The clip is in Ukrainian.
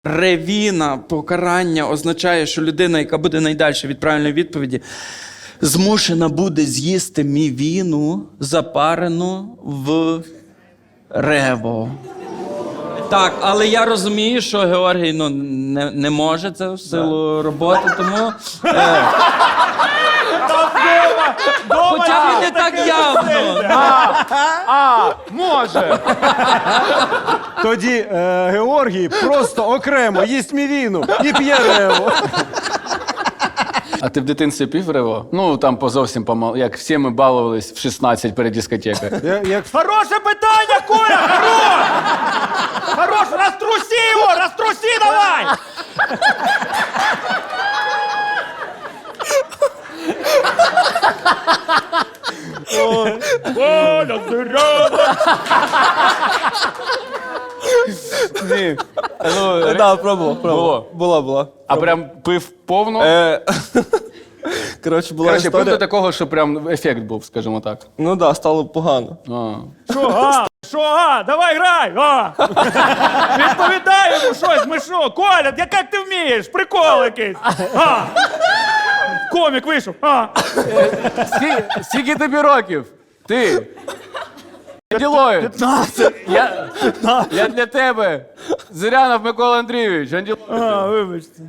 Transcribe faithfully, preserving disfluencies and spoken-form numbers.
Ревіна, покарання означає, що людина, яка буде найдальше від правильної відповіді, змушена буде з'їсти мівіну, запарену в рево. Так, але я розумію, що Георгій ну, не, не може це в силу роботи, тому... Е, хоча він не так явно. А, може. Тоді е, Георгій просто окремо їсть мівіну і п'є рево. А ти в дитинстві пів рево? Ну, там по зовсім помал, як всі ми балувались в шістнадцять перед дискотекою. Я, як... Хороше питання, Коля! Хорош! Хорош! Розтруси його! Розтруси давай! Коля, здорово! Ні. Ну, Да, пробував, пробував. Було. Була, була. а прям пив повну? Е, Коротше, була Коротше, пив історія. до такого, що прям ефект був, скажімо так. Ну да, стало погано. А. Що, а? Що, а? Давай грай! А! Відповідай йому щось, ми що? Коля, як ти вмієш? Прикол якийсь! А! Комік вийшов! А! Скільки, скільки тобі років? Ти? Анділоїд. п'ятнадцять. Я, я для тебе. Зирянов Микола Андрійович. Анділоїд. А, вибачте.